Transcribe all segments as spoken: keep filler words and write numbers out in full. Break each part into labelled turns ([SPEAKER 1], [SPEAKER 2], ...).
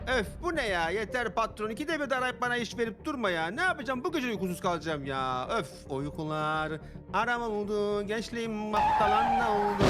[SPEAKER 1] Öf bu ne ya? Yeter patron. İkide bir de arayıp bana iş verip durma ya. Ne yapacağım? Bu gece uykusuz kalacağım ya. Öf uykular. Haram oldu. Gençliğim mahtalan oldu.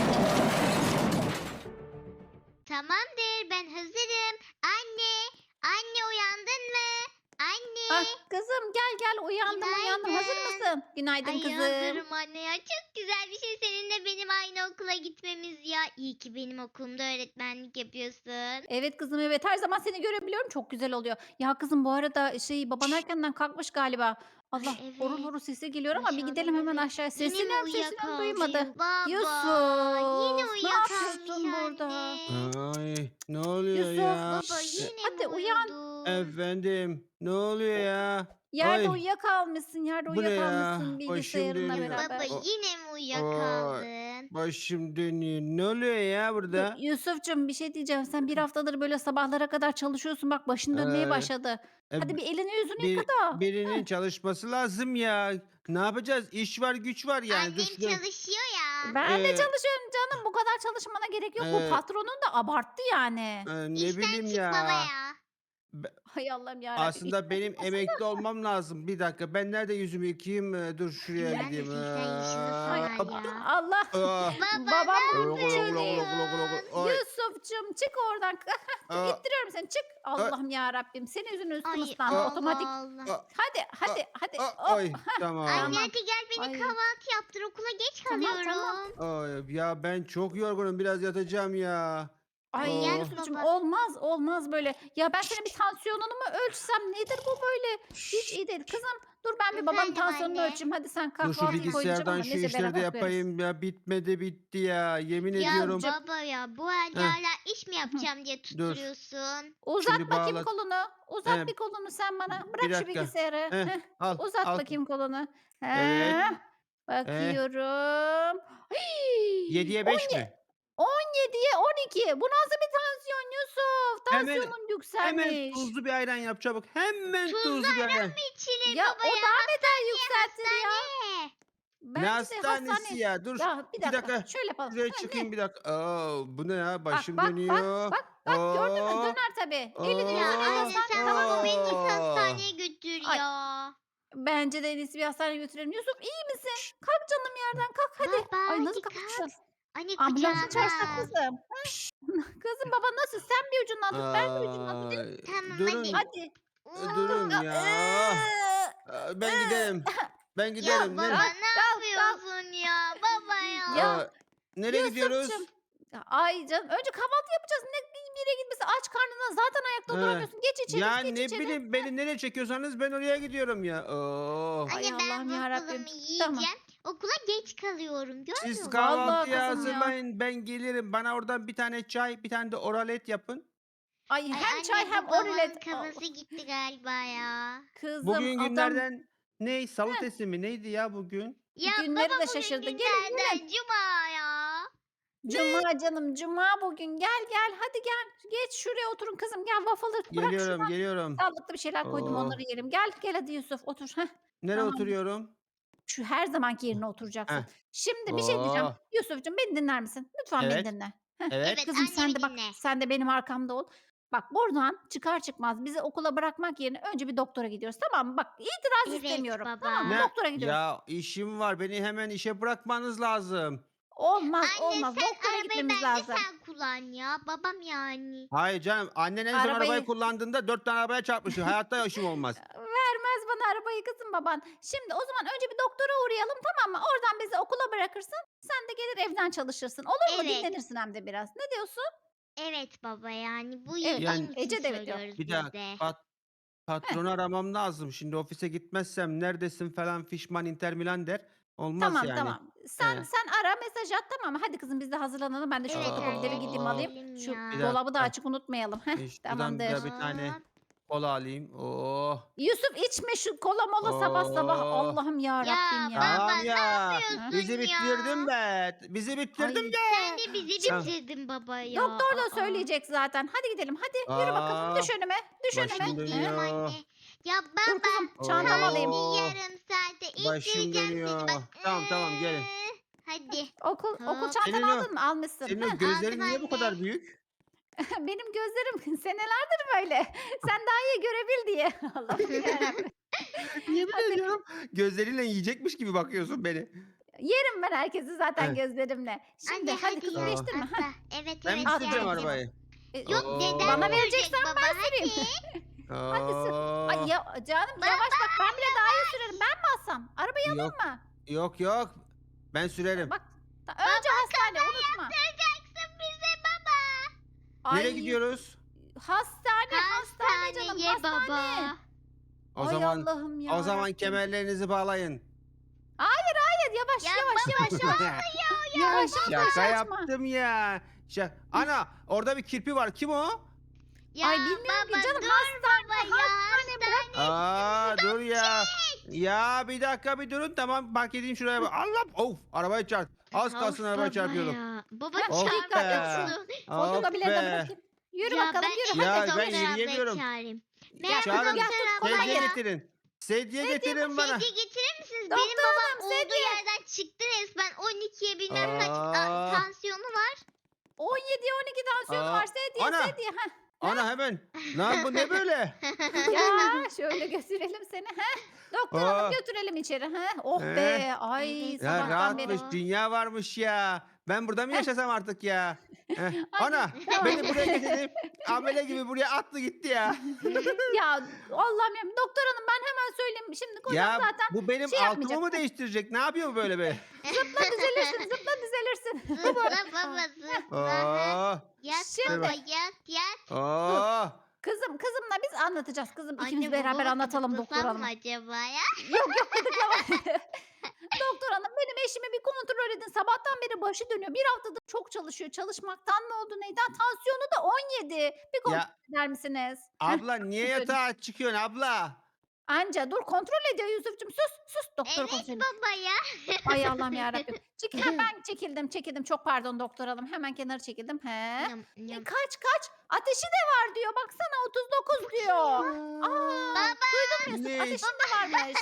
[SPEAKER 2] Tamamdır, ben hazırım. Anne, anne uyandın mı?
[SPEAKER 3] Ah
[SPEAKER 2] Anne,
[SPEAKER 3] kızım gel gel uyandım uyandım. Hazır
[SPEAKER 2] günaydın.
[SPEAKER 3] mısın? Günaydın
[SPEAKER 2] Ay
[SPEAKER 3] kızım.
[SPEAKER 2] hazırım anne ya. Çok güzel bir şey seninle benim aynı okula gitmemiz ya. İyi ki benim okulumda öğretmenlik yapıyorsun.
[SPEAKER 3] Evet kızım evet her zaman seni görebiliyorum çok güzel oluyor. Ya kızım bu arada şey baban erkenden kalkmış galiba.
[SPEAKER 2] Ay
[SPEAKER 3] Allah horul
[SPEAKER 2] evet.
[SPEAKER 3] horul sesi geliyor ama bir
[SPEAKER 2] Aşağıdan
[SPEAKER 3] gidelim hemen
[SPEAKER 2] evet.
[SPEAKER 3] aşağıya.
[SPEAKER 2] Yine mi
[SPEAKER 3] Sesleniyorum sesleniyorum duymadı.
[SPEAKER 2] uyuyakaldın baba? Yine
[SPEAKER 3] Yusuf ne
[SPEAKER 2] uyuyakalmış
[SPEAKER 3] yapıyorsun burada?
[SPEAKER 2] anne.
[SPEAKER 1] Ay ne oluyor
[SPEAKER 3] Yusuf
[SPEAKER 1] ya?
[SPEAKER 2] Baba
[SPEAKER 1] E,
[SPEAKER 2] yine mi
[SPEAKER 3] hadi uyan.
[SPEAKER 2] uyudun?
[SPEAKER 1] efendim ne oluyor ya?
[SPEAKER 3] Yerde
[SPEAKER 1] Ay
[SPEAKER 3] uyuyakalmışsın yerde
[SPEAKER 1] bu ne ya?
[SPEAKER 3] uyuyakalmışsın
[SPEAKER 1] Başım
[SPEAKER 3] bilgisayarınla
[SPEAKER 1] dönüyor.
[SPEAKER 2] Baba
[SPEAKER 3] beraber.
[SPEAKER 1] O,
[SPEAKER 2] yine mi
[SPEAKER 1] o,
[SPEAKER 2] uyuyakaldın?
[SPEAKER 1] başım dönüyor. Ne oluyor ya
[SPEAKER 3] Dur
[SPEAKER 1] burada?
[SPEAKER 3] Yusuf'cum bir şey diyeceğim. Sen bir haftadır böyle sabahlara kadar çalışıyorsun. Bak başın dönmeye
[SPEAKER 1] Ee,
[SPEAKER 3] başladı.
[SPEAKER 1] e,
[SPEAKER 3] Hadi bir elini yüzünü yıka
[SPEAKER 1] bir
[SPEAKER 3] da.
[SPEAKER 1] birinin çalışması lazım ya. Ne yapacağız? İş var, güç var yani. Dur
[SPEAKER 2] Annem
[SPEAKER 1] şunu.
[SPEAKER 2] çalışıyor ya.
[SPEAKER 3] Ben de
[SPEAKER 1] Ee,
[SPEAKER 3] çalışıyorum canım. Bu kadar çalışmana gerek yok. Bu
[SPEAKER 1] e,
[SPEAKER 3] patronun da abarttı yani.
[SPEAKER 1] e, ne
[SPEAKER 2] İşten
[SPEAKER 1] bileyim
[SPEAKER 2] çık baba
[SPEAKER 1] ya.
[SPEAKER 2] ya.
[SPEAKER 1] Be-
[SPEAKER 3] Hay Allah'ım yarabbim.
[SPEAKER 1] Aslında
[SPEAKER 3] İşten
[SPEAKER 1] benim
[SPEAKER 3] çıkmasın
[SPEAKER 1] emekli
[SPEAKER 3] da.
[SPEAKER 1] olmam lazım. Bir dakika. Ben nerede yüzümü yıkayayım? Ee, Dur şuraya
[SPEAKER 2] Nerede
[SPEAKER 1] gideyim.
[SPEAKER 2] seksen yaşındasın
[SPEAKER 3] Ay
[SPEAKER 1] Aa,
[SPEAKER 2] sen
[SPEAKER 1] hop.
[SPEAKER 3] dur
[SPEAKER 2] ya.
[SPEAKER 3] Allah.
[SPEAKER 1] Aa.
[SPEAKER 2] Baba
[SPEAKER 3] Babam
[SPEAKER 2] ne
[SPEAKER 1] Glo, glo,
[SPEAKER 3] çık.
[SPEAKER 1] glo, glo, glo, glo, glo.
[SPEAKER 2] yapıyorsun?
[SPEAKER 1] Ay.
[SPEAKER 3] Yusuf'cum çık oradan. Dur,
[SPEAKER 1] Aa,
[SPEAKER 3] İttiriyorum seni çık.
[SPEAKER 1] ay,
[SPEAKER 3] Allah'ım yarabbim. Senin yüzünden üstüm
[SPEAKER 2] Ay
[SPEAKER 3] ıslandı
[SPEAKER 1] aa,
[SPEAKER 3] otomatik.
[SPEAKER 2] Allah Allah.
[SPEAKER 1] aa,
[SPEAKER 3] Hadi
[SPEAKER 1] aa,
[SPEAKER 3] hadi hadi.
[SPEAKER 1] aa,
[SPEAKER 3] Hop.
[SPEAKER 1] ay
[SPEAKER 2] Anne
[SPEAKER 1] tamam.
[SPEAKER 3] Tamam.
[SPEAKER 2] hadi gel beni
[SPEAKER 3] Ay
[SPEAKER 2] kahvaltı yaptır. Okula geç
[SPEAKER 3] tamam tamam.
[SPEAKER 2] kalıyorum.
[SPEAKER 1] Ay, ya ben çok yorgunum. Biraz yatacağım ya.
[SPEAKER 3] Ay
[SPEAKER 2] Ay yat
[SPEAKER 1] Oh.
[SPEAKER 3] Yusuf'cum
[SPEAKER 2] baba.
[SPEAKER 3] olmaz olmaz böyle. Ya ben senin bir tansiyonunu mu ölçsem nedir bu böyle? Hiç iyi değil. Kızım dur ben bir babanın
[SPEAKER 2] Efendim
[SPEAKER 3] tansiyonunu
[SPEAKER 2] anne.
[SPEAKER 3] ölçeyim. Hadi sen
[SPEAKER 1] Dur şu
[SPEAKER 3] kahvaltıyı koy diyeceğim
[SPEAKER 1] bilgisayardan
[SPEAKER 3] ama
[SPEAKER 1] şu
[SPEAKER 3] neyse
[SPEAKER 1] işleri de
[SPEAKER 3] beraber koyarız.
[SPEAKER 1] yapayım ya. Bitmedi bitti ya. Yemin
[SPEAKER 2] Ya
[SPEAKER 1] ediyorum.
[SPEAKER 3] Yusuf'cum
[SPEAKER 2] baba ya bu halde
[SPEAKER 1] Heh,
[SPEAKER 2] hala iş mi yapacağım diye
[SPEAKER 1] dur.
[SPEAKER 2] tutturuyorsun.
[SPEAKER 1] Şimdi
[SPEAKER 3] uzat bakayım
[SPEAKER 1] bağlat.
[SPEAKER 3] kolunu. Uzat
[SPEAKER 1] He,
[SPEAKER 3] bir kolunu sen bana.
[SPEAKER 1] bir
[SPEAKER 3] Bırak şu
[SPEAKER 1] dakika.
[SPEAKER 3] bilgisayarı.
[SPEAKER 1] Heh,
[SPEAKER 3] Heh,
[SPEAKER 1] al
[SPEAKER 3] uzat
[SPEAKER 1] al.
[SPEAKER 3] bakayım kolunu.
[SPEAKER 1] Evet.
[SPEAKER 3] Heh,
[SPEAKER 1] Eh,
[SPEAKER 3] bakıyorum. Hii,
[SPEAKER 1] yediye beş
[SPEAKER 3] on ye-
[SPEAKER 1] mi?
[SPEAKER 3] on yediye on iki. Bu nasıl bir tansiyon Yusuf?
[SPEAKER 1] Hemen
[SPEAKER 3] Tansiyonun
[SPEAKER 1] hemen
[SPEAKER 3] yükselmiş.
[SPEAKER 1] tuzlu bir ayran yap çabuk. Hemen
[SPEAKER 2] Tuzlu
[SPEAKER 1] tuzlu bir
[SPEAKER 2] ayran
[SPEAKER 1] ayran.
[SPEAKER 2] mı içilir
[SPEAKER 3] Ya
[SPEAKER 2] baba
[SPEAKER 3] o
[SPEAKER 2] ya?
[SPEAKER 3] daha beter
[SPEAKER 2] Hastaneye
[SPEAKER 3] yükseltir ya.
[SPEAKER 2] hastaneye.
[SPEAKER 1] Ne
[SPEAKER 3] Bence de
[SPEAKER 1] hastanesi
[SPEAKER 3] hastane.
[SPEAKER 1] ya? Dur.
[SPEAKER 3] Ya bir
[SPEAKER 1] İki
[SPEAKER 3] dakika.
[SPEAKER 1] dakika.
[SPEAKER 3] Şöyle yapalım.
[SPEAKER 1] Şuraya
[SPEAKER 3] Ha,
[SPEAKER 1] çıkayım
[SPEAKER 3] ne?
[SPEAKER 1] bir dakika. Aa, bu ne ya?
[SPEAKER 3] Bak
[SPEAKER 1] Başım
[SPEAKER 3] bak bak
[SPEAKER 1] dönüyor.
[SPEAKER 3] bak bak gördün mü?
[SPEAKER 1] Aa,
[SPEAKER 3] Döner tabii. Elini
[SPEAKER 2] Ya
[SPEAKER 3] yüzünü
[SPEAKER 1] aa,
[SPEAKER 2] anne
[SPEAKER 3] yıkasan
[SPEAKER 2] sen
[SPEAKER 3] tamam
[SPEAKER 2] baba
[SPEAKER 3] mı?
[SPEAKER 2] beni git
[SPEAKER 1] aa.
[SPEAKER 2] hastaneye götür
[SPEAKER 3] Ay
[SPEAKER 2] ya.
[SPEAKER 3] bence de en iyisi bir hastaneye götürelim. Yusuf iyi misin? Kalk canım yerden kalk hadi.
[SPEAKER 2] Baba
[SPEAKER 3] Ay nasıl
[SPEAKER 2] hadi kalk.
[SPEAKER 3] kalkacağız?
[SPEAKER 2] Anne
[SPEAKER 3] Ambulans
[SPEAKER 2] kucağıma
[SPEAKER 3] çağırsak
[SPEAKER 2] al.
[SPEAKER 3] kızım. Kızım baba nasıl? Sen bir ucundan tut ben bir ucundan tutayım.
[SPEAKER 1] Ay,
[SPEAKER 2] Tamam hadi.
[SPEAKER 1] durun.
[SPEAKER 3] Hadi.
[SPEAKER 1] e,
[SPEAKER 3] Dur.
[SPEAKER 1] Durun
[SPEAKER 2] Oh.
[SPEAKER 1] ya. Aa, Ben giderim. Ben
[SPEAKER 2] Ya
[SPEAKER 1] giderim.
[SPEAKER 2] baba
[SPEAKER 1] Ne?
[SPEAKER 3] Kalk
[SPEAKER 2] ne
[SPEAKER 3] kalk kalk.
[SPEAKER 2] yapıyorsun ya? Baba
[SPEAKER 3] Ya
[SPEAKER 2] ya.
[SPEAKER 1] Aa, nereye gidiyoruz?
[SPEAKER 3] Yusuf'cum. Ya, ay canım önce kahvaltı yapacağız. Ne bir yere gitmesi aç karnına zaten ayakta
[SPEAKER 1] He.
[SPEAKER 3] duramıyorsun. Geç içeri
[SPEAKER 1] Ya
[SPEAKER 3] geç
[SPEAKER 1] ne
[SPEAKER 3] içeri.
[SPEAKER 1] bileyim beni nereye çekiyorsanız ben oraya gidiyorum ya. Oo.
[SPEAKER 3] Ay
[SPEAKER 2] Anne ben
[SPEAKER 3] Allah'ım yarabbim.
[SPEAKER 2] waffle'ımı
[SPEAKER 3] Tamam.
[SPEAKER 2] yiyeceğim. Okula geç kalıyorum.
[SPEAKER 1] Siz
[SPEAKER 2] Görmüyor musun?
[SPEAKER 3] Vallahi
[SPEAKER 1] kahvaltıyı
[SPEAKER 3] kızım ya.
[SPEAKER 1] hazırlayın. Ben gelirim. Bana oradan bir tane çay, bir tane de oralet yapın.
[SPEAKER 3] Ay
[SPEAKER 2] Ay
[SPEAKER 3] hem çay
[SPEAKER 2] anne
[SPEAKER 3] hem
[SPEAKER 2] bu babamın
[SPEAKER 3] orilet.
[SPEAKER 2] kafası
[SPEAKER 3] Allah.
[SPEAKER 2] gitti galiba ya.
[SPEAKER 3] Kızım
[SPEAKER 1] Bugün
[SPEAKER 3] adam
[SPEAKER 1] günlerden ne? Salıtesi mi? Neydi ya bugün?
[SPEAKER 2] Ya
[SPEAKER 3] günleri
[SPEAKER 2] baba
[SPEAKER 3] de
[SPEAKER 2] bugün
[SPEAKER 3] şaşırdı. Gelin
[SPEAKER 2] günlerden
[SPEAKER 3] gelin.
[SPEAKER 2] cuma ya.
[SPEAKER 3] Cuma canım cuma bugün. Gel gel hadi gel. Geç şuraya oturun kızım. Gel waffle'ı bırak
[SPEAKER 1] Geliyorum,
[SPEAKER 3] şuradan.
[SPEAKER 1] geliyorum.
[SPEAKER 3] Sağlıklı bir şeyler koydum
[SPEAKER 1] Oo.
[SPEAKER 3] onları yiyelim. Gel gel hadi Yusuf otur. Heh,
[SPEAKER 1] Nereye
[SPEAKER 3] tamam.
[SPEAKER 1] oturuyorum?
[SPEAKER 3] Şu her zamanki yerine oturacaksın.
[SPEAKER 1] Heh.
[SPEAKER 3] Şimdi bir şey diyeceğim.
[SPEAKER 1] Oh.
[SPEAKER 3] Yusuf'cum beni dinler misin? Lütfen beni
[SPEAKER 1] Evet.
[SPEAKER 3] dinle. Heh,
[SPEAKER 1] Evet.
[SPEAKER 2] Evet
[SPEAKER 3] kızım sen
[SPEAKER 2] annemi
[SPEAKER 3] de bak
[SPEAKER 2] dinle.
[SPEAKER 3] sen de benim arkamda ol. Bak buradan çıkar çıkmaz bizi okula bırakmak yerine önce bir doktora gidiyoruz tamam mı? Bak itiraz
[SPEAKER 2] Evet
[SPEAKER 3] istemiyorum. Tamam mı?
[SPEAKER 2] baba.
[SPEAKER 1] Ne?
[SPEAKER 3] Doktora gidiyoruz.
[SPEAKER 1] Ya işim var. Beni hemen işe bırakmanız lazım.
[SPEAKER 3] Olmaz
[SPEAKER 2] Anne
[SPEAKER 3] olmaz.
[SPEAKER 2] sen
[SPEAKER 3] Doktora
[SPEAKER 2] arabayı
[SPEAKER 3] gitmemiz
[SPEAKER 2] bence
[SPEAKER 3] lazım.
[SPEAKER 2] sen kullan ya. Babam yani.
[SPEAKER 1] Hayır canım. Annen en son arabayı
[SPEAKER 3] Arabayı
[SPEAKER 1] kullandığında dört tane arabaya çarpmıştı. Hayatta işim olmaz.
[SPEAKER 3] vermez bana arabayı kızım baban. Şimdi o zaman önce bir doktora uğrayalım tamam mı? Oradan bizi okula bırakırsın. Sen de gelir evden çalışırsın. Olur mu?
[SPEAKER 2] Evet.
[SPEAKER 3] Dinlenirsin hem de biraz. Ne diyorsun?
[SPEAKER 2] Evet baba yani bu
[SPEAKER 3] Evet bak
[SPEAKER 1] Yani
[SPEAKER 2] iyiliğin için
[SPEAKER 3] Ece de evet diyor.
[SPEAKER 2] söylüyoruz
[SPEAKER 1] bir
[SPEAKER 2] biz
[SPEAKER 1] dakika.
[SPEAKER 2] de.
[SPEAKER 1] Pat,
[SPEAKER 3] Heh,
[SPEAKER 1] patronu aramam lazım. Şimdi ofise gitmezsem neredesin falan fişman Inter Milan der. Olmaz
[SPEAKER 3] tamam
[SPEAKER 1] yani.
[SPEAKER 3] tamam. Sen
[SPEAKER 1] He.
[SPEAKER 3] sen ara mesaj at tamam mı? Hadi kızım biz de hazırlanalım. Ben de şu
[SPEAKER 2] Evet
[SPEAKER 3] fotokopileri
[SPEAKER 2] anne
[SPEAKER 3] gideyim
[SPEAKER 1] Aa,
[SPEAKER 3] alayım.
[SPEAKER 2] gidelim
[SPEAKER 3] Şu
[SPEAKER 1] bir
[SPEAKER 2] ya.
[SPEAKER 3] dolabı da
[SPEAKER 1] dakika.
[SPEAKER 3] açık unutmayalım. Heh,
[SPEAKER 1] E, şuradan
[SPEAKER 3] tamamdır.
[SPEAKER 1] da bir tane
[SPEAKER 2] Hop.
[SPEAKER 1] kola alayım. Oh.
[SPEAKER 3] Yusuf içme şu kola mola sabah sabah.
[SPEAKER 1] Oh.
[SPEAKER 3] Allah'ım ya Rabbim
[SPEAKER 2] Ya
[SPEAKER 3] ya.
[SPEAKER 2] baba
[SPEAKER 1] Tamam
[SPEAKER 2] ne
[SPEAKER 1] ya.
[SPEAKER 3] Heh.
[SPEAKER 1] Bizi
[SPEAKER 2] yapıyorsun
[SPEAKER 1] bitirdin
[SPEAKER 2] ya?
[SPEAKER 1] be. Bizi bitirdin
[SPEAKER 3] Ay
[SPEAKER 2] Sen
[SPEAKER 1] be.
[SPEAKER 2] de bizi
[SPEAKER 3] şimdi
[SPEAKER 1] Ah,
[SPEAKER 2] bitirdin baba ya.
[SPEAKER 3] doktor da
[SPEAKER 2] Aa.
[SPEAKER 3] söyleyecek zaten. Hadi gidelim. Hadi yürü bakalım.
[SPEAKER 1] ah,
[SPEAKER 3] Düş önüme. Düş önüme.
[SPEAKER 1] başım
[SPEAKER 2] Hadi gidelim
[SPEAKER 3] Heh.
[SPEAKER 1] dönüyor.
[SPEAKER 2] anne. Ya
[SPEAKER 3] Dur
[SPEAKER 2] baba
[SPEAKER 3] kızım çantamı alayım.
[SPEAKER 2] hadi
[SPEAKER 1] Oh.
[SPEAKER 2] yarım saate
[SPEAKER 1] Başım
[SPEAKER 2] indireceğim seni bak.
[SPEAKER 1] dönüyor. Tamam tamam gelin.
[SPEAKER 2] Hadi.
[SPEAKER 3] Okul okul
[SPEAKER 2] Hop.
[SPEAKER 3] çantanı
[SPEAKER 1] Senin o
[SPEAKER 3] aldın mı? Almışsın.
[SPEAKER 1] senin o
[SPEAKER 3] Heh.
[SPEAKER 2] Aldım
[SPEAKER 1] gözlerin niye bu
[SPEAKER 2] anne.
[SPEAKER 1] kadar büyük?
[SPEAKER 3] Benim gözlerim senelerdir böyle. Sen daha iyi görebil diye. Allah'ım yarabbim.
[SPEAKER 1] Yemin
[SPEAKER 3] Hadi.
[SPEAKER 1] ediyorum gözleriyle yiyecekmiş gibi bakıyorsun beni.
[SPEAKER 3] Yerim ben herkesi zaten
[SPEAKER 1] Evet.
[SPEAKER 3] gözlerimle. Şimdi
[SPEAKER 2] Anne
[SPEAKER 3] hadi
[SPEAKER 2] hadi
[SPEAKER 3] kızım
[SPEAKER 2] ya.
[SPEAKER 3] değiştirme.
[SPEAKER 2] Atla.
[SPEAKER 3] Heh.
[SPEAKER 2] Evet
[SPEAKER 1] Ben mi
[SPEAKER 2] evet
[SPEAKER 1] süreceğim
[SPEAKER 2] geldim.
[SPEAKER 1] arabayı?
[SPEAKER 3] E,
[SPEAKER 2] Yok
[SPEAKER 1] Oo.
[SPEAKER 2] deden
[SPEAKER 3] Bana
[SPEAKER 2] sürecek
[SPEAKER 3] vereceksen
[SPEAKER 2] baba,
[SPEAKER 3] ben
[SPEAKER 2] hadi.
[SPEAKER 3] süreyim. Hadi sür. Ay
[SPEAKER 1] Oo.
[SPEAKER 3] ya, canım yavaş bak ben bile daha iyi sürerim. Ben mi alsam? Arabayı
[SPEAKER 1] Yok
[SPEAKER 3] alayım mı?
[SPEAKER 1] yok yok. Ben sürerim.
[SPEAKER 3] Bak ta- önce hastane unutma.
[SPEAKER 2] Yapacaksın bize baba.
[SPEAKER 1] Nereye
[SPEAKER 3] Ay,
[SPEAKER 1] gidiyoruz?
[SPEAKER 3] Hastane hastane canım
[SPEAKER 2] Hastaneye
[SPEAKER 3] hastane.
[SPEAKER 2] baba.
[SPEAKER 1] O
[SPEAKER 3] Ay
[SPEAKER 1] zaman
[SPEAKER 3] Allah'ım ya.
[SPEAKER 1] o zaman
[SPEAKER 3] Rabbim.
[SPEAKER 1] kemerlerinizi bağlayın.
[SPEAKER 3] Hayır yavaş
[SPEAKER 2] Ya
[SPEAKER 3] yavaş yavaş yavaş.
[SPEAKER 1] ya
[SPEAKER 3] Yavaş,
[SPEAKER 1] şaka
[SPEAKER 3] yavaş açma.
[SPEAKER 1] yaptım ya. Şaka. Ana orada bir kirpi var. Kim o?
[SPEAKER 2] Ya
[SPEAKER 3] Ay bilmiyorum
[SPEAKER 2] baba
[SPEAKER 3] ki canım
[SPEAKER 2] dur
[SPEAKER 3] hastane
[SPEAKER 2] baba ya.
[SPEAKER 3] hastane bırak.
[SPEAKER 1] Aa dur ya. Ya bir dakika bir durun tamam park edeyim şuraya. bak. Allah of arabaya çarp. Az
[SPEAKER 2] Of
[SPEAKER 1] kalsın arabaya
[SPEAKER 2] baba
[SPEAKER 1] çarpıyordum.
[SPEAKER 2] ya. Baba
[SPEAKER 3] Of
[SPEAKER 2] çarpıyorsun.
[SPEAKER 3] Fotokopileri de
[SPEAKER 1] Of be.
[SPEAKER 3] bırakayım. Yürü
[SPEAKER 2] Ya
[SPEAKER 3] bakalım
[SPEAKER 2] ben
[SPEAKER 3] yürü.
[SPEAKER 1] Ya
[SPEAKER 2] hadi
[SPEAKER 1] ben
[SPEAKER 2] doktor ablayı
[SPEAKER 1] yürüyemiyorum.
[SPEAKER 2] çağırayım.
[SPEAKER 3] Gel,
[SPEAKER 2] Merhaba
[SPEAKER 1] çağırın.
[SPEAKER 3] gel,
[SPEAKER 2] doktor
[SPEAKER 3] tut,
[SPEAKER 2] abla
[SPEAKER 3] kolay
[SPEAKER 1] Sedye
[SPEAKER 2] ya.
[SPEAKER 3] gelsin.
[SPEAKER 1] getirin. Sedye getirin bana.
[SPEAKER 2] Sedye getirir misiniz?
[SPEAKER 3] Doktor
[SPEAKER 2] Benim babam
[SPEAKER 3] hanım,
[SPEAKER 2] olduğu
[SPEAKER 3] sedye.
[SPEAKER 2] yerden çıktı resmen. on ikiye bilmem kaç
[SPEAKER 1] Aa.
[SPEAKER 2] a- tansiyonu var.
[SPEAKER 3] on yediye on iki tansiyon
[SPEAKER 1] Aa,
[SPEAKER 3] var. Sedye
[SPEAKER 1] ana.
[SPEAKER 3] sedye. Heh.
[SPEAKER 1] Ana hemen. Lan bu ne böyle?
[SPEAKER 3] Ya şöyle götürelim seni. Heh. Doktor
[SPEAKER 1] Aa.
[SPEAKER 3] hanım götürelim içeri. Heh. Oh
[SPEAKER 1] Ee?
[SPEAKER 3] be. Ay
[SPEAKER 2] Evet.
[SPEAKER 1] Ya
[SPEAKER 3] sabahtan beri.
[SPEAKER 1] rahatmış dünya varmış ya. Ben burada mı
[SPEAKER 3] Heh.
[SPEAKER 1] yaşasam artık ya? Heh.
[SPEAKER 3] Ay,
[SPEAKER 1] Ana
[SPEAKER 3] tamam.
[SPEAKER 1] beni buraya getirip amele gibi buraya attı gitti ya.
[SPEAKER 3] Ya Allah'ım ya. Doktor hanım ben hemen söyleyeyim. Şimdi kocam
[SPEAKER 1] Ya
[SPEAKER 3] zaten
[SPEAKER 1] bu benim
[SPEAKER 3] şey
[SPEAKER 1] altımı
[SPEAKER 3] yapmayacak.
[SPEAKER 1] mı değiştirecek? Ne yapıyor bu böyle be?
[SPEAKER 3] zıpla düzelirsin. Zıpla düzelirsin.
[SPEAKER 2] Zıpla baba zıpla.
[SPEAKER 1] Oo,
[SPEAKER 2] Yat
[SPEAKER 3] Şimdi-
[SPEAKER 2] baba yat yat.
[SPEAKER 1] oo.
[SPEAKER 3] Kızım kızımla biz anlatacağız. Kızım ikimiz
[SPEAKER 2] Anne
[SPEAKER 3] beraber
[SPEAKER 2] babamı
[SPEAKER 3] anlatalım doktor
[SPEAKER 2] gıdıklasam
[SPEAKER 3] hanım.
[SPEAKER 2] mı acaba ya?
[SPEAKER 3] Yok yok gıdıklama. Doktor hanım benim eşimi bir kontrol edin. Sabahtan beri başı dönüyor. Bir haftadır çok çalışıyor. Çalışmaktan mı oldu neyden? Tansiyonu da on yedi. Bir kontrol
[SPEAKER 1] Ya
[SPEAKER 3] eder misiniz? Heh,
[SPEAKER 1] abla niye
[SPEAKER 3] söyle.
[SPEAKER 1] yatağa çıkıyorsun abla?
[SPEAKER 3] Anca dur kontrol ediyor Yusuf'cum. Sus sus doktor
[SPEAKER 2] Evet
[SPEAKER 3] kontrol.
[SPEAKER 2] baba ya.
[SPEAKER 3] Ay Allah'ım yarabbim. Çek, hemen çekildim çekildim. Çok pardon doktor hanım. Hemen kenara çekildim. He.
[SPEAKER 2] Nyam,
[SPEAKER 3] E,
[SPEAKER 2] nyam.
[SPEAKER 3] kaç kaç? Ateşi de var diyor. Baksana otuz dokuz diyor. Aa,
[SPEAKER 2] Baba.
[SPEAKER 3] duydun mu Yusuf?
[SPEAKER 1] Ne?
[SPEAKER 3] Ateşin de varmış.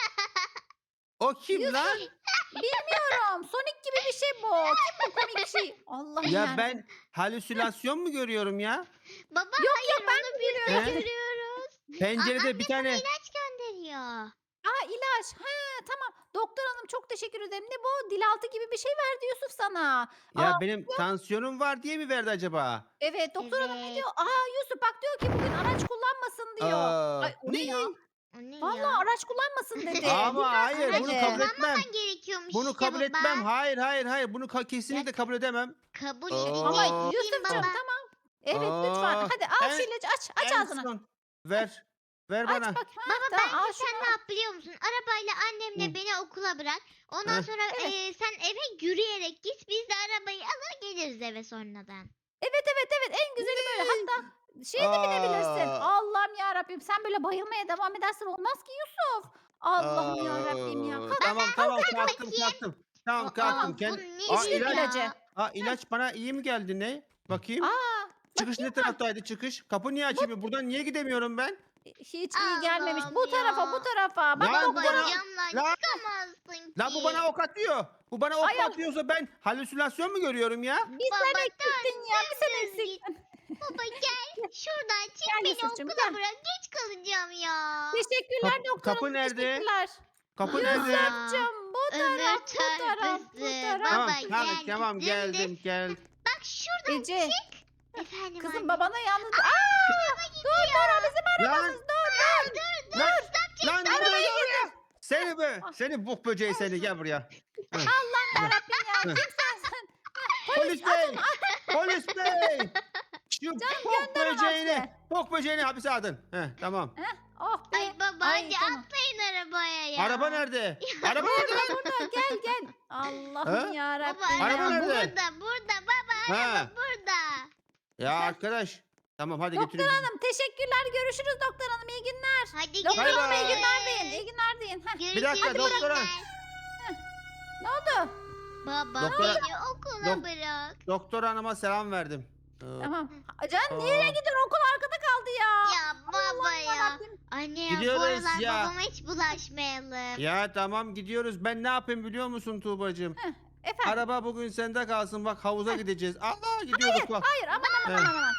[SPEAKER 1] O kim
[SPEAKER 3] Yusuf,
[SPEAKER 1] lan?
[SPEAKER 3] Bilmiyorum. Sonic gibi bir şey bu. Kim bu komik şey? Allah'ım
[SPEAKER 1] Ya
[SPEAKER 3] yarabbim.
[SPEAKER 1] ben halüsinasyon mu görüyorum ya?
[SPEAKER 2] Baba
[SPEAKER 3] Yok,
[SPEAKER 2] hayır
[SPEAKER 3] ben
[SPEAKER 2] onu biz de
[SPEAKER 1] He?
[SPEAKER 2] görüyoruz.
[SPEAKER 1] Pencerede
[SPEAKER 2] Aa,
[SPEAKER 1] bir tane
[SPEAKER 2] İlaç gönderiyor.
[SPEAKER 3] Aa ilaç. He tamam. Doktor hanım çok teşekkür ederim. Ne bu? Dilaltı gibi bir şey verdi Yusuf sana.
[SPEAKER 1] ya
[SPEAKER 3] Aa,
[SPEAKER 1] benim tansiyonum var diye mi verdi acaba?
[SPEAKER 3] evet doktor hanım ne
[SPEAKER 2] Evet.
[SPEAKER 3] diyor? Aa Yusuf bak diyor ki bugün araç kullanmasın diyor.
[SPEAKER 1] Aa,
[SPEAKER 3] Ay o ne ya?
[SPEAKER 2] O ne
[SPEAKER 3] Vallahi
[SPEAKER 2] ya?
[SPEAKER 3] araç kullanmasın dedi.
[SPEAKER 1] Ama hayır
[SPEAKER 3] araç
[SPEAKER 1] bunu
[SPEAKER 3] dedi.
[SPEAKER 1] kabul etmem.
[SPEAKER 2] Kullanmaman gerekiyormuş
[SPEAKER 1] Bunu
[SPEAKER 2] işte
[SPEAKER 1] kabul
[SPEAKER 2] baba.
[SPEAKER 1] etmem. Hayır hayır hayır. Bunu ka- kesinlikle kabul edemem.
[SPEAKER 2] Kabul
[SPEAKER 1] Aa.
[SPEAKER 2] edin.
[SPEAKER 3] Ama
[SPEAKER 1] Aa.
[SPEAKER 3] Yusuf'cum
[SPEAKER 2] baba.
[SPEAKER 3] tamam. Evet lütfen.
[SPEAKER 1] Aa,
[SPEAKER 3] Hadi al
[SPEAKER 1] en-
[SPEAKER 3] şu ilacı aç. Aç
[SPEAKER 1] En
[SPEAKER 3] ağzını.
[SPEAKER 1] son. Ver. Ver
[SPEAKER 3] Aç
[SPEAKER 1] bana.
[SPEAKER 3] bak. Ha,
[SPEAKER 2] Baba
[SPEAKER 3] tamam, al
[SPEAKER 2] bence sen
[SPEAKER 3] şunu.
[SPEAKER 2] ne yap biliyor musun? Arabayla annemle
[SPEAKER 1] Hı.
[SPEAKER 2] beni okula bırak. Ondan
[SPEAKER 1] Heh.
[SPEAKER 2] sonra
[SPEAKER 3] Evet.
[SPEAKER 2] eee, sen eve yürüyerek git. Biz de arabayı alır geliriz eve sonradan.
[SPEAKER 3] Evet evet evet en güzeli böyle. Hatta şeye de binebilirsin.
[SPEAKER 1] Aa.
[SPEAKER 3] Allah'ım ya Rabbim sen böyle bayılmaya devam edersen olmaz ki Yusuf. Allah'ım ya Rabbim ya.
[SPEAKER 1] Aa,
[SPEAKER 3] Kalk,
[SPEAKER 1] Tamam tamam kalktım
[SPEAKER 2] bakayım.
[SPEAKER 1] kalktım. Tamam
[SPEAKER 2] Aa,
[SPEAKER 1] kalktım.
[SPEAKER 2] bu
[SPEAKER 1] Kend...
[SPEAKER 2] ne
[SPEAKER 1] Aa,
[SPEAKER 2] işi
[SPEAKER 1] ilaç.
[SPEAKER 3] ilacı.
[SPEAKER 1] Aa, ilaç bana iyi mi geldi ne? Bakayım.
[SPEAKER 3] Aa,
[SPEAKER 1] Çıkış ne taraftaydı çıkış? Kapı niye açayım? Buradan niye gidemiyorum ben?
[SPEAKER 3] hiç iyi gelmemiş. Bu
[SPEAKER 2] Allah'ım
[SPEAKER 3] tarafa bu
[SPEAKER 2] ya.
[SPEAKER 3] tarafa. Bak
[SPEAKER 1] Lan bu
[SPEAKER 2] Baba
[SPEAKER 3] doktor
[SPEAKER 1] bana-
[SPEAKER 2] camdan
[SPEAKER 1] Lan-
[SPEAKER 2] çıkamazsın ki.
[SPEAKER 1] Lan bu bana ok atıyor. Bu bana ok
[SPEAKER 3] Ay,
[SPEAKER 1] mu
[SPEAKER 3] ay.
[SPEAKER 1] atıyorsa ben halüsinasyon mu görüyorum ya?
[SPEAKER 3] bir sen
[SPEAKER 2] Baba,
[SPEAKER 3] eksiktin ya. Bir sen
[SPEAKER 2] dümdüz git.
[SPEAKER 3] eksiktin.
[SPEAKER 2] Baba gel şuradan çık
[SPEAKER 3] Gel
[SPEAKER 2] beni
[SPEAKER 3] Yusuf'cum,
[SPEAKER 2] okula
[SPEAKER 3] gel.
[SPEAKER 2] bırak. Geç kalacağım ya.
[SPEAKER 3] Teşekkürler
[SPEAKER 1] Kapı-
[SPEAKER 3] doktor
[SPEAKER 1] kapı
[SPEAKER 3] hanım,
[SPEAKER 1] nerede?
[SPEAKER 3] Teşekkürler.
[SPEAKER 1] Kapı
[SPEAKER 2] Ya.
[SPEAKER 1] nerede?
[SPEAKER 3] Yusuf'cum bu
[SPEAKER 2] Ömür
[SPEAKER 3] taraf bu taraf bu
[SPEAKER 2] törpüsü.
[SPEAKER 3] taraf.
[SPEAKER 1] Tamam
[SPEAKER 2] Baba,
[SPEAKER 1] tamam
[SPEAKER 2] gel,
[SPEAKER 1] tamam
[SPEAKER 2] dümdüz.
[SPEAKER 1] geldim gel.
[SPEAKER 2] Bak şuradan
[SPEAKER 3] Ece
[SPEAKER 2] çık. Efendim
[SPEAKER 3] kızım
[SPEAKER 2] anne.
[SPEAKER 3] babana yalnız. Aa, dur Dora bizim
[SPEAKER 1] Lan
[SPEAKER 3] arabamız dur dur.
[SPEAKER 1] lan lan
[SPEAKER 3] Arabaya
[SPEAKER 1] buraya buraya. Seni be. Seni bok böceği seni gel buraya.
[SPEAKER 3] Allah'ım yarabbim ya. Kim sensin?
[SPEAKER 1] Polis bey. Polis bey. Şu bok
[SPEAKER 3] gönder o
[SPEAKER 1] böceğini.
[SPEAKER 3] hapse.
[SPEAKER 1] Bok böceğini hapise atın. Heh tamam.
[SPEAKER 3] Oh be.
[SPEAKER 2] Ay baba
[SPEAKER 3] Ay,
[SPEAKER 2] hadi
[SPEAKER 3] tamam.
[SPEAKER 2] atlayın arabaya ya.
[SPEAKER 1] Araba nerede? Araba nerede?
[SPEAKER 3] Burada burada gel gel. Allah'ım
[SPEAKER 1] Ha?
[SPEAKER 3] yarabbim.
[SPEAKER 2] Baba
[SPEAKER 1] Araba
[SPEAKER 2] araba
[SPEAKER 1] nerede?
[SPEAKER 2] burada burada baba araba
[SPEAKER 1] Ha.
[SPEAKER 2] burada.
[SPEAKER 1] Ya arkadaş. Tamam hadi
[SPEAKER 3] Doktor
[SPEAKER 1] götürün.
[SPEAKER 3] hanım teşekkürler. Görüşürüz doktor hanım. İyi günler.
[SPEAKER 2] Hadi
[SPEAKER 3] Doktor
[SPEAKER 1] Bay
[SPEAKER 3] hanım iyi
[SPEAKER 1] bay.
[SPEAKER 3] günler deyin. İyi günler deyin. Heh.
[SPEAKER 2] Görüşürüz.
[SPEAKER 1] Bir dakika,
[SPEAKER 2] iyi
[SPEAKER 1] doktora.
[SPEAKER 2] günler.
[SPEAKER 3] Ne oldu?
[SPEAKER 2] Baba
[SPEAKER 1] Doktora-
[SPEAKER 2] beni okula
[SPEAKER 1] Dok-
[SPEAKER 2] bırak.
[SPEAKER 1] Doktor hanıma selam verdim. Ee,
[SPEAKER 3] Tamam. Can
[SPEAKER 1] Aa.
[SPEAKER 3] nereye gidiyorsun? Okul arkada kaldı ya.
[SPEAKER 2] Ya baba
[SPEAKER 3] Allah'ım
[SPEAKER 2] ya.
[SPEAKER 3] yarabbim.
[SPEAKER 2] Anne ya bu
[SPEAKER 1] Gidiyoruz
[SPEAKER 2] aralar
[SPEAKER 1] ya.
[SPEAKER 2] babama hiç bulaşmayalım.
[SPEAKER 1] Ya tamam gidiyoruz. Ben ne yapayım biliyor musun Tuğbacığım?
[SPEAKER 3] Efendim.
[SPEAKER 1] Araba bugün sende kalsın. Bak havuza gideceğiz. Allah gidiyorduk bak.
[SPEAKER 3] Hayır aman aman
[SPEAKER 1] Evet.
[SPEAKER 3] aman aman.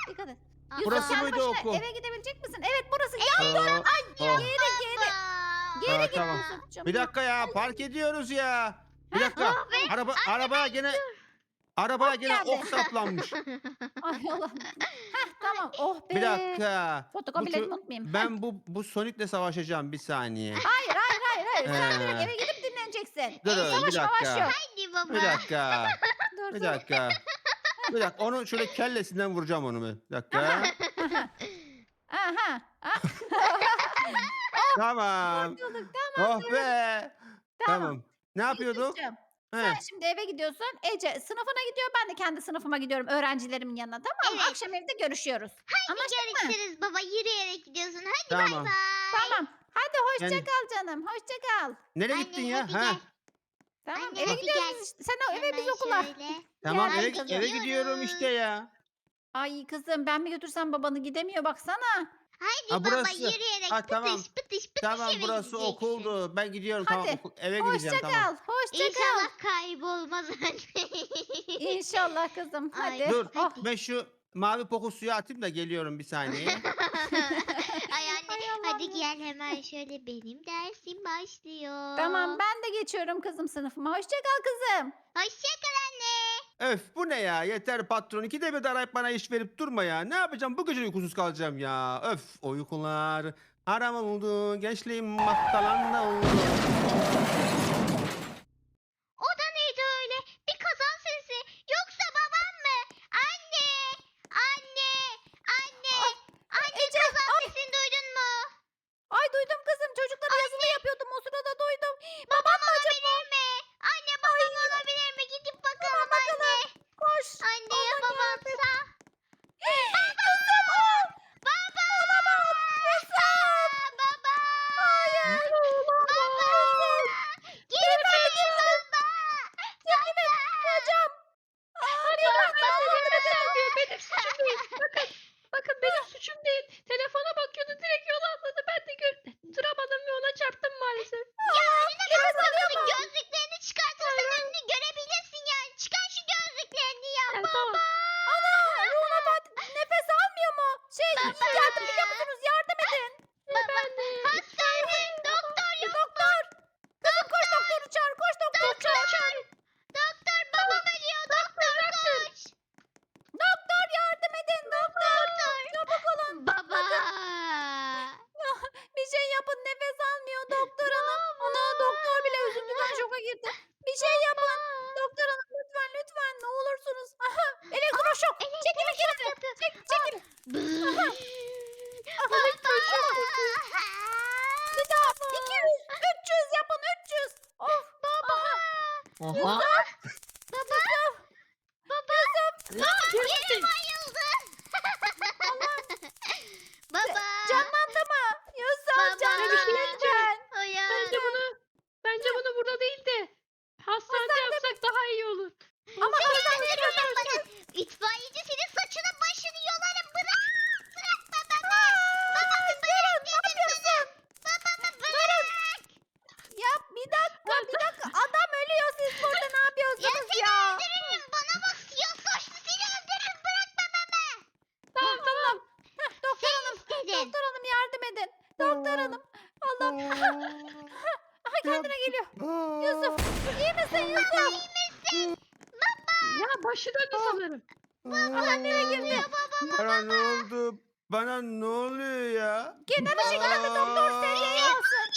[SPEAKER 3] Dikkat et.
[SPEAKER 2] Aa,
[SPEAKER 3] Yusuf
[SPEAKER 1] Burası
[SPEAKER 3] kendi
[SPEAKER 1] mıydı
[SPEAKER 3] başına
[SPEAKER 1] okul?
[SPEAKER 3] eve gidebilecek misin? Evet burası. Ya
[SPEAKER 1] Aa,
[SPEAKER 3] dur. Ay
[SPEAKER 1] oh.
[SPEAKER 3] geri geri.
[SPEAKER 2] Baba.
[SPEAKER 3] Geri
[SPEAKER 1] Aa,
[SPEAKER 3] git
[SPEAKER 1] tamam.
[SPEAKER 3] Yusuf'cum.
[SPEAKER 1] Bir dakika ya, park ediyoruz ya. Bir
[SPEAKER 3] Heh.
[SPEAKER 1] dakika.
[SPEAKER 2] Oh be.
[SPEAKER 1] Araba arabaya gene arabaya
[SPEAKER 3] Ok
[SPEAKER 1] gene
[SPEAKER 3] geldi.
[SPEAKER 1] ok saplanmış.
[SPEAKER 3] Ay Allah'ım. Heh tamam. Oh be.
[SPEAKER 1] Bir dakika. Bu
[SPEAKER 3] Fotokopilerimi
[SPEAKER 1] çö-
[SPEAKER 3] unutmayayım. Heh.
[SPEAKER 1] ben bu bu Sonic'le savaşacağım bir saniye.
[SPEAKER 3] Hayır hayır hayır hayır. Sen direkt
[SPEAKER 1] Ee,
[SPEAKER 3] eve gidip dinleneceksin.
[SPEAKER 1] Durun
[SPEAKER 3] Savaş
[SPEAKER 1] bir
[SPEAKER 3] mavaş
[SPEAKER 1] dakika.
[SPEAKER 3] yok.
[SPEAKER 2] Hadi baba.
[SPEAKER 1] Bir dakika.
[SPEAKER 3] Dur
[SPEAKER 1] Bir
[SPEAKER 3] dur.
[SPEAKER 1] dakika. Bir dakika. Onu şöyle kellesinden vuracağım onu bir dakika.
[SPEAKER 3] Aha. Ah,
[SPEAKER 1] Tamam.
[SPEAKER 3] kurtulduk. Tamam.
[SPEAKER 1] Oh be.
[SPEAKER 3] Tamam.
[SPEAKER 1] Tamam. Ne yapıyorduk?
[SPEAKER 3] Yusuf'cum,
[SPEAKER 1] He.
[SPEAKER 3] sen şimdi eve gidiyorsun. Ece sınıfına gidiyor. Ben de kendi sınıfıma gidiyorum. Öğrencilerimin yanına. Tamam mı?
[SPEAKER 2] Evet.
[SPEAKER 3] Akşam evde görüşüyoruz.
[SPEAKER 2] Hadi görüşürüz baba. Yürüyerek gidiyorsun. Hadi bay
[SPEAKER 1] Tamam.
[SPEAKER 2] bay.
[SPEAKER 3] Tamım. Hadi hoşça
[SPEAKER 1] Yani-
[SPEAKER 3] kal canım. Hoşça kal.
[SPEAKER 1] Nereye
[SPEAKER 2] Anne,
[SPEAKER 1] gittin ya?
[SPEAKER 2] hadi
[SPEAKER 1] Ha?
[SPEAKER 2] gel.
[SPEAKER 3] Tamam
[SPEAKER 2] Anne,
[SPEAKER 3] eve
[SPEAKER 2] hadi
[SPEAKER 3] gidiyoruz
[SPEAKER 2] gel.
[SPEAKER 3] işte. Sen o eve biz
[SPEAKER 2] Hemen
[SPEAKER 3] okula.
[SPEAKER 2] şöyle.
[SPEAKER 1] Tamam
[SPEAKER 3] Gel
[SPEAKER 1] eve
[SPEAKER 3] kızım.
[SPEAKER 1] eve gidiyorum işte ya.
[SPEAKER 3] Ay kızım ben mi götürsem babanı gidemiyor baksana.
[SPEAKER 2] Hadi
[SPEAKER 1] Ha,
[SPEAKER 2] baba
[SPEAKER 1] burası.
[SPEAKER 2] yürüyerek
[SPEAKER 1] Ha,
[SPEAKER 2] pıtış
[SPEAKER 1] tamam.
[SPEAKER 2] pıtış pıtış
[SPEAKER 1] Tamam
[SPEAKER 2] eve
[SPEAKER 1] burası
[SPEAKER 2] gideceksin.
[SPEAKER 3] Hadi.
[SPEAKER 1] okuldu. Ben gidiyorum tamam okul, eve gideceğim
[SPEAKER 3] Hoşça
[SPEAKER 1] tamam.
[SPEAKER 3] kal. Hoşça kal.
[SPEAKER 2] İnşallah kaybolmaz anne.
[SPEAKER 3] İnşallah kızım.
[SPEAKER 2] Ay,
[SPEAKER 3] Hadi.
[SPEAKER 1] Dur
[SPEAKER 3] Oh.
[SPEAKER 1] ben şu mavi poku suya atayım da geliyorum bir saniye.
[SPEAKER 2] Ay anne
[SPEAKER 3] Ay Allah'ım
[SPEAKER 2] hadi
[SPEAKER 3] ya.
[SPEAKER 2] gel hemen şöyle benim dersim başlıyor.
[SPEAKER 3] Tamam ben de geçiyorum kızım sınıfıma. Hoşça kal kızım.
[SPEAKER 2] Hoşçakal anne.
[SPEAKER 1] Öf bu ne ya, yeter patron, ikide bir de arayıp bana iş verip durma ya. Ne yapacağım, bu gece uykusuz kalacağım ya. Öf, uykular haram oldu, gençliğim mahtalanda oldu.
[SPEAKER 2] O da neydi öyle? Bir kazan sesi. Yoksa babam mı? Anne! Anne! Anne! Anne
[SPEAKER 3] Ece,
[SPEAKER 2] kazan
[SPEAKER 3] ay.
[SPEAKER 2] sesini duydun mu?
[SPEAKER 3] Ay duydum kızım. Çocuklara yazılı yapıyordum. O sırada duydum.
[SPEAKER 2] Babam olabilir mi? Anne babam olabilir mi? Gidip bakalım anne.
[SPEAKER 3] Koş.
[SPEAKER 2] Anne ya
[SPEAKER 3] Allah'ım
[SPEAKER 2] babamsa?
[SPEAKER 3] Yusuf al.
[SPEAKER 2] Baba!
[SPEAKER 3] Yusuf.
[SPEAKER 2] Baba!
[SPEAKER 3] Hayır.
[SPEAKER 2] Baba! Geri dönün baba!
[SPEAKER 3] Çekilin. Hocam. Aa, bir dakika.
[SPEAKER 4] Benim suçum değil. Bakın. Bakın benim suçum değil. Telefona bakıyordu direkt yola atladı. Ben de gör duramadım ve ona çarptım maalesef.
[SPEAKER 2] Ya önüne
[SPEAKER 3] nefes
[SPEAKER 2] kalkmasın.
[SPEAKER 3] alıyor mu?
[SPEAKER 2] Gözlüklerini çıkartırsan önünü görebilirsin yani. Çıkar şu gözlüklerini ya.
[SPEAKER 4] Yani tamam.
[SPEAKER 3] Ana ruhuna bak. Nefes almıyor mu? Şey yardım ediyor musunuz? Yardım edin.
[SPEAKER 2] Baba hastane doktor yok.
[SPEAKER 3] Doktor. Kızım koş doktoru çağır. Koş doktoru çağır.
[SPEAKER 2] Doktor babam ölüyor. Doktor koş.
[SPEAKER 3] Doktor yardım edin. Doktor. Çabuk olun.
[SPEAKER 2] Baba.
[SPEAKER 3] Bir şey yapın. Nefes almıyor doktor hanım. Ana doktor bile üzüntüden şoka girdi. Bir şey yapın. Doktor hanım lütfen lütfen ne olursunuz. Aha elektroşok. Çekilin geri. Çek, çekil. Aha, bir daha. iki yüz. üç yüz yapın. üç yüz. Of. Baba.
[SPEAKER 1] Oha.
[SPEAKER 2] Baba. Baba. Yere bayıldı. Baba.
[SPEAKER 3] Canlandı mı? Yusuf
[SPEAKER 2] Baba.
[SPEAKER 3] canlandı
[SPEAKER 4] Bir şey
[SPEAKER 3] lütfen.
[SPEAKER 2] Uyan.
[SPEAKER 4] Bence bunu bence bunu burada değil de hastanede yapsak daha iyi olur.
[SPEAKER 3] Ama
[SPEAKER 2] Sakın yapma. İtfaiyeci senin saçını başını yolarım. Bırak. Bırak babamı. Babamı bırak dedim sana. Babamı bırak.
[SPEAKER 3] ya bir dakika bir dakika adam ölüyor siz burada ne
[SPEAKER 2] Ya
[SPEAKER 3] yapıyorsunuz
[SPEAKER 2] seni
[SPEAKER 3] ya?
[SPEAKER 2] öldürürüm. Bana bak siyah saçlı seni öldürürüm. Bırak babamı.
[SPEAKER 4] Tamam tamam.
[SPEAKER 3] Heh, doktor
[SPEAKER 2] Sen
[SPEAKER 3] hanım
[SPEAKER 2] istedin.
[SPEAKER 3] doktor hanım yardım edin. Doktor hanım. Allah'ım. Aha kendine geliyor. Yusuf iyi misin Yusuf?
[SPEAKER 4] Ya başı döndü sanırım.
[SPEAKER 3] Aha nereye girdi?
[SPEAKER 1] Bana ne oldu? Bana ne oluyor ya?
[SPEAKER 3] Kenara çekilin bir doktor seviyeyi alsın.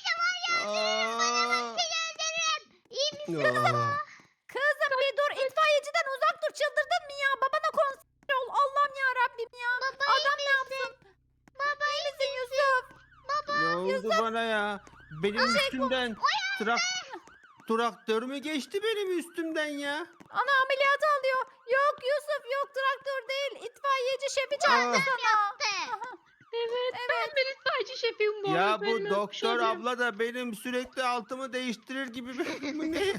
[SPEAKER 1] Aa.
[SPEAKER 2] İyi misin?
[SPEAKER 1] Aa.
[SPEAKER 3] Kızım bir dur itfaiyeciden uzak dur çıldırdın mı ya? Babana konsantre ol. Allah'ım ya Rabbim ya.
[SPEAKER 2] Baba
[SPEAKER 3] Adam ne yapsın?
[SPEAKER 2] Baba
[SPEAKER 3] İyi misin Yusuf?
[SPEAKER 1] Ne oldu bana ya? Benim üstümden trak traktör mü geçti benim üstümden ya?
[SPEAKER 3] Ana ameliyat alıyor. Yok Yusuf yok traktör değil. İtfaiyeci şefi çağırdı
[SPEAKER 1] Aa.
[SPEAKER 3] sana.
[SPEAKER 2] De.
[SPEAKER 3] Aha.
[SPEAKER 4] Evet, ben bir itfaiyeci şefiyim bu
[SPEAKER 1] Ya
[SPEAKER 4] arada.
[SPEAKER 1] bu
[SPEAKER 4] Benim
[SPEAKER 1] doktor
[SPEAKER 4] öyle-
[SPEAKER 1] abla da benim sürekli altımı değiştirir gibi bir bu ne?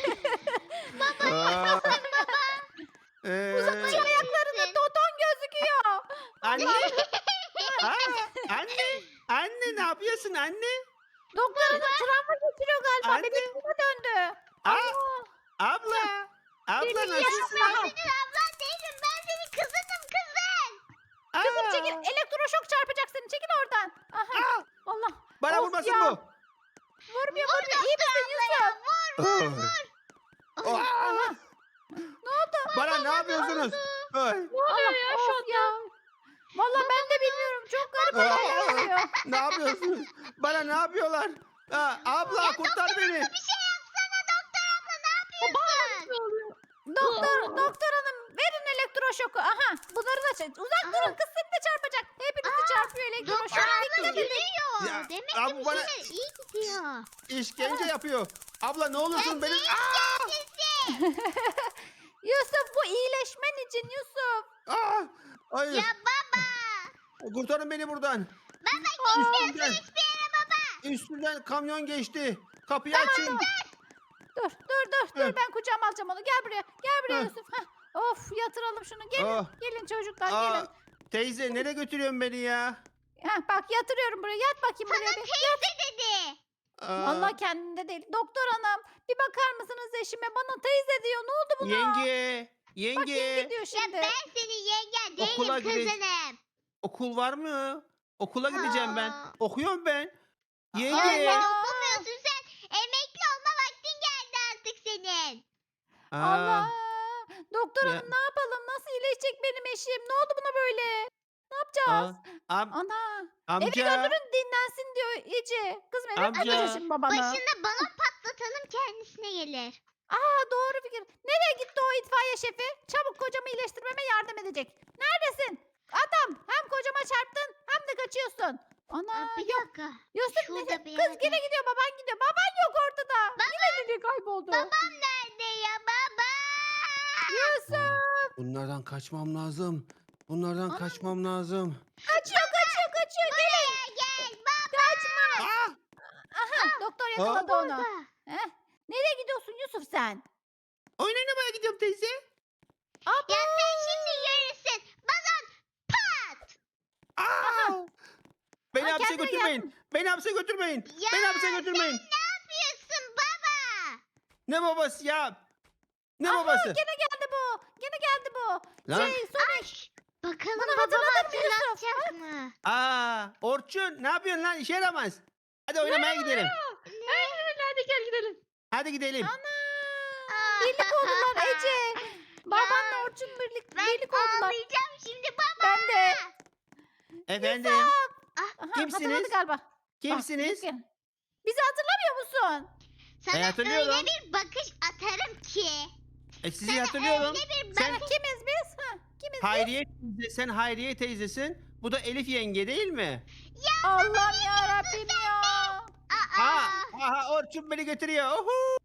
[SPEAKER 1] Baba. Ee,
[SPEAKER 3] Şu ayaklarında toton gözüküyor.
[SPEAKER 1] anne. Aa, anne. Anne ne yapıyorsun anne?
[SPEAKER 3] Doktor hanım travma geçiriyor galiba.
[SPEAKER 1] Anne.
[SPEAKER 3] Bebeğine döndü.
[SPEAKER 1] Aa,
[SPEAKER 3] Allah.
[SPEAKER 1] abla. Abla nasılsın?
[SPEAKER 2] Ben senin ablan değilim. Ben senin kızınım kızın.
[SPEAKER 3] Kızım
[SPEAKER 1] Aa!
[SPEAKER 3] çekil. Elektroşok çarpacak seni. Çekil oradan. Aha.
[SPEAKER 1] Aa!
[SPEAKER 3] Allah.
[SPEAKER 1] Bana
[SPEAKER 3] Of
[SPEAKER 1] vurmasın
[SPEAKER 3] ya.
[SPEAKER 1] bu.
[SPEAKER 3] Vurmuyor vurmuyor. İyi misin Yusuf?
[SPEAKER 1] Aa!
[SPEAKER 3] Aha. Ne oldu?
[SPEAKER 1] Bana ne yapıyorsunuz? Ay.
[SPEAKER 4] Ne oluyor ya şu
[SPEAKER 3] Of
[SPEAKER 4] anda?
[SPEAKER 3] ya. Valla ben de bilmiyorum. Çok garip olaylar
[SPEAKER 1] Aa!
[SPEAKER 3] oluyor.
[SPEAKER 1] Ne yapıyorsunuz? Bana ne yapıyorlar? Aa, abla kurtar beni.
[SPEAKER 2] Bir şey yapsana doktor abla ne yapıyorsun?
[SPEAKER 4] Ne oluyor?
[SPEAKER 3] Doktor,
[SPEAKER 4] Aa.
[SPEAKER 3] doktor hanım verin elektroşoku. Aha bunları da çek. Uzak
[SPEAKER 2] Aha.
[SPEAKER 3] durun kız seni de çarpacak. Hepinizi çarpıyor
[SPEAKER 2] Doktor
[SPEAKER 3] elektroşok.
[SPEAKER 2] abla
[SPEAKER 3] Dikkat edin.
[SPEAKER 2] gülüyor.
[SPEAKER 1] Ya,
[SPEAKER 2] Demek
[SPEAKER 1] abi
[SPEAKER 2] ki bir
[SPEAKER 1] bana-
[SPEAKER 2] şeyler iyi gidiyor.
[SPEAKER 1] İşkence yapıyor. Abla ne olursun benim. Aa!
[SPEAKER 3] Yusuf bu iyileşmen için Yusuf.
[SPEAKER 1] Aa! Hayır.
[SPEAKER 2] Ya baba.
[SPEAKER 1] Kurtarın beni buradan.
[SPEAKER 2] Baba
[SPEAKER 1] Üstümden,
[SPEAKER 2] hiçbir yere baba.
[SPEAKER 1] üstümden kamyon geçti. Kapıyı açın.
[SPEAKER 3] Dur dur dur dur
[SPEAKER 1] Hı.
[SPEAKER 3] ben kucağıma alacağım onu. Gel buraya. Gel buraya
[SPEAKER 1] Hı.
[SPEAKER 3] Yusuf. Heh. Of yatıralım şunu. Gelin.
[SPEAKER 1] Ah.
[SPEAKER 3] Gelin çocuklar
[SPEAKER 1] Aa,
[SPEAKER 3] gelin.
[SPEAKER 1] teyze nereye götürüyorsun beni ya?
[SPEAKER 3] Heh, bak yatırıyorum buraya. Yat bakayım buraya bir.
[SPEAKER 2] Teyze dedi.
[SPEAKER 1] Aa,
[SPEAKER 3] Vallahi kendinde değil. Doktor hanım bir bakar mısınız eşime? Bana teyze diyor. Ne oldu buna?
[SPEAKER 1] Yenge,
[SPEAKER 3] Bak yenge
[SPEAKER 1] yenge.
[SPEAKER 3] diyor
[SPEAKER 2] Ya
[SPEAKER 3] şimdi.
[SPEAKER 2] ben senin yengen değilim
[SPEAKER 1] Okula gideceğiz.
[SPEAKER 2] kızınım.
[SPEAKER 1] Okul var mı? Okula gideceğim ben.
[SPEAKER 2] Aa.
[SPEAKER 1] Okuyorum ben.
[SPEAKER 2] Aa,
[SPEAKER 1] Yenge.
[SPEAKER 2] sen
[SPEAKER 3] Allah.
[SPEAKER 2] okumuyorsun sen. Emekli olma vaktin geldi artık senin.
[SPEAKER 1] Aa,
[SPEAKER 3] Allah. Doktor
[SPEAKER 1] Ya.
[SPEAKER 3] hanım ne yapalım? Nasıl iyileşecek benim eşim? Ne oldu buna böyle? Ne yapacağız?
[SPEAKER 1] aa, am-
[SPEAKER 3] Ana. Eve
[SPEAKER 1] amca.
[SPEAKER 3] götürün dinlensin diyor Ece. Kızım eve
[SPEAKER 1] Amca.
[SPEAKER 3] götürün şimdi babana.
[SPEAKER 2] Başında balon patlatalım kendisine gelir.
[SPEAKER 3] Aa doğru fikir. Nereye gitti o itfaiye şefi? Çabuk kocamı iyileştirmeme yardım edecek. Neredesin? Adam hem kocama çarptın hem de kaçıyorsun. Ana
[SPEAKER 2] Aa, bir
[SPEAKER 3] yok.
[SPEAKER 2] dakika.
[SPEAKER 3] Yusuf
[SPEAKER 2] şurada
[SPEAKER 3] neyse,
[SPEAKER 2] bir
[SPEAKER 3] kız
[SPEAKER 2] yerde.
[SPEAKER 3] yine gidiyor baban gidiyor. Baban yok ortada. Yine nereye kayboldu?
[SPEAKER 2] Babam nerede ya baba?
[SPEAKER 3] Yusuf.
[SPEAKER 1] Bunlardan kaçmam lazım. Bunlardan
[SPEAKER 3] Ana.
[SPEAKER 1] kaçmam lazım.
[SPEAKER 3] Kaçıyor kaçıyor kaçıyor. Gelin.
[SPEAKER 2] Buraya gel baba.
[SPEAKER 3] Kaçma.
[SPEAKER 1] Aa!
[SPEAKER 3] Aha doktor yakaladı onu.
[SPEAKER 2] Burada.
[SPEAKER 3] Heh. Nereye gidiyorsun Yusuf sen?
[SPEAKER 1] Oyun oynamaya gidiyorum teyze.
[SPEAKER 3] Abo.
[SPEAKER 2] Ya sen şimdi görürsün. Balon pat.
[SPEAKER 1] Aa! Beni
[SPEAKER 3] Aa,
[SPEAKER 1] hapse
[SPEAKER 3] kendine
[SPEAKER 1] götürmeyin.
[SPEAKER 3] geldin.
[SPEAKER 1] Beni hapse götürmeyin.
[SPEAKER 2] Ya
[SPEAKER 1] Beni hapse götürmeyin.
[SPEAKER 2] sen ne yapıyorsun baba?
[SPEAKER 1] Ne babası ya? Ne
[SPEAKER 3] Aha,
[SPEAKER 1] babası?
[SPEAKER 3] Gene geldi bu. Gene geldi bu.
[SPEAKER 1] Lan.
[SPEAKER 3] Şey Sonic.
[SPEAKER 2] Bakalım
[SPEAKER 3] Bunu
[SPEAKER 2] babam
[SPEAKER 3] hatırladın mı Yusuf?
[SPEAKER 2] hatırlatacak mı?
[SPEAKER 1] Aa, Orçun ne yapıyorsun lan? İşe yaramaz. Hadi oynamaya gidelim.
[SPEAKER 4] Aynen hadi gel gidelim.
[SPEAKER 1] Hadi gidelim.
[SPEAKER 3] Ana. Birlik oldular Ece. Babanla Orçun birlik,
[SPEAKER 2] Ben
[SPEAKER 3] birlik oldular.
[SPEAKER 2] ağlayacağım şimdi baba.
[SPEAKER 3] Ben de.
[SPEAKER 1] Efendim?
[SPEAKER 3] Aha,
[SPEAKER 1] Kimsiniz?
[SPEAKER 3] hatırladı galiba. Bak,
[SPEAKER 1] Kimsiniz?
[SPEAKER 3] birlik. Bizi hatırlamıyor musun?
[SPEAKER 2] Sana
[SPEAKER 1] Ben hatırlıyorum.
[SPEAKER 2] öyle bir bakış atarım ki.
[SPEAKER 1] E sizi hatırlıyorum.
[SPEAKER 2] Öyle bir
[SPEAKER 1] Sen
[SPEAKER 2] bakış.
[SPEAKER 3] Kimiz biz? Ha, kimiz?
[SPEAKER 1] Hayriye teyze, sen Hayriye teyzesin. Bu da Elif yenge değil mi?
[SPEAKER 3] Allah'ım ya Rabbim ya.
[SPEAKER 2] Aa,
[SPEAKER 1] Aa, aha Orçun beni götürüyor. Uhu.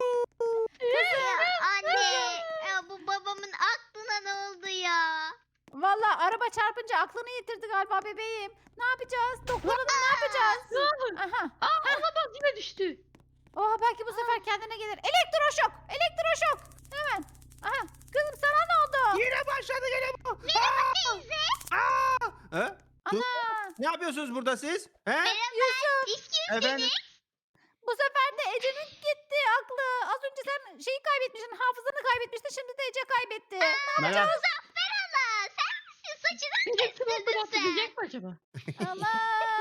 [SPEAKER 2] ya anne. Ya bu babamın aklına ne oldu ya?
[SPEAKER 3] Vallahi araba çarpınca aklını yitirdi galiba bebeğim. Ne yapacağız? Doktor hanım ne yapacağız? Aha.
[SPEAKER 4] Aa olamaz yine düştü.
[SPEAKER 3] Oh belki bu sefer kendine gelir. Elektroşok! Elektroşok! Hemen. Aha. Kızım sana ne oldu?
[SPEAKER 1] Yine başladı gene bu.
[SPEAKER 2] Merhaba teyze.
[SPEAKER 1] Aa! Ha? Dur.
[SPEAKER 3] Ana.
[SPEAKER 1] Ne yapıyorsunuz burada siz? He?
[SPEAKER 2] Merhaba. Siz kimsiniz?
[SPEAKER 1] Efendim?
[SPEAKER 3] Bu sefer de Ece'nin gitti aklı. Az önce sen şeyi kaybetmiştin, hafızanı kaybetmiştin. Şimdi de Ece kaybetti.
[SPEAKER 1] Merhaba.
[SPEAKER 2] Muzaffer Allah. Sen misin? Saçını
[SPEAKER 4] Elektronik
[SPEAKER 2] kestirdin sen.
[SPEAKER 4] atlayacak mı acaba?
[SPEAKER 3] Ama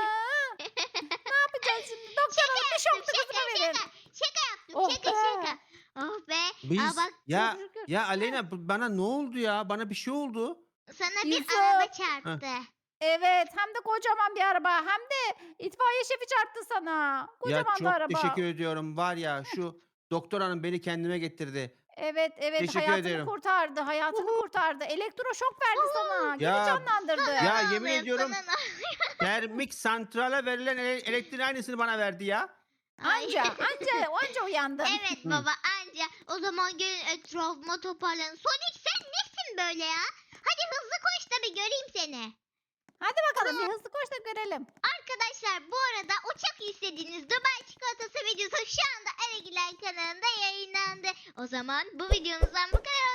[SPEAKER 3] ne yapacağız şimdi? Doktor hanım bir şokta
[SPEAKER 2] Şaka
[SPEAKER 3] kızıma
[SPEAKER 2] şaka.
[SPEAKER 3] verin.
[SPEAKER 2] Şaka yaptım.
[SPEAKER 3] Oh
[SPEAKER 2] şaka
[SPEAKER 3] be.
[SPEAKER 2] şaka. Oh be.
[SPEAKER 1] Biz
[SPEAKER 2] Aa, bak
[SPEAKER 1] ya
[SPEAKER 3] Çok şükür.
[SPEAKER 1] ya Aleyna bu- bana ne oldu ya? Bana bir şey oldu.
[SPEAKER 2] sana bir
[SPEAKER 3] Yusuf.
[SPEAKER 2] araba çarptı.
[SPEAKER 3] Evet hem de kocaman bir araba. Hem de itfaiye şefi çarptı sana. Kocaman
[SPEAKER 1] ya çok
[SPEAKER 3] da araba.
[SPEAKER 1] teşekkür ediyorum. Var ya şu doktor hanım beni kendime getirdi.
[SPEAKER 3] Evet evet
[SPEAKER 1] Teşekkür
[SPEAKER 3] hayatını
[SPEAKER 1] ederim.
[SPEAKER 3] kurtardı. Hayatını kurtardı. Elektroşok verdi sana. Geri
[SPEAKER 1] Ya-
[SPEAKER 3] canlandırdı.
[SPEAKER 1] Ya
[SPEAKER 2] Sana
[SPEAKER 1] yemin
[SPEAKER 2] ağlıyor,
[SPEAKER 1] ediyorum
[SPEAKER 2] sana ağlıyor.
[SPEAKER 1] termik santrale verilen ele- elektriğin aynısını bana verdi ya.
[SPEAKER 2] Ay.
[SPEAKER 3] Anca anca anca uyandın.
[SPEAKER 2] Evet
[SPEAKER 1] Hı.
[SPEAKER 2] baba anca. O zaman gelin etrafıma toparlanın. Sonic sen nesin böyle ya? Hadi hızlı koş da bir göreyim seni.
[SPEAKER 3] Hadi bakalım bir hızlı koş da görelim.
[SPEAKER 2] Arkadaşlar bu arada o çok istediğiniz Dubai çikolatası videosu şu anda Aragiler kanalında yayınlandı. O zaman bu videomuzdan bu kadar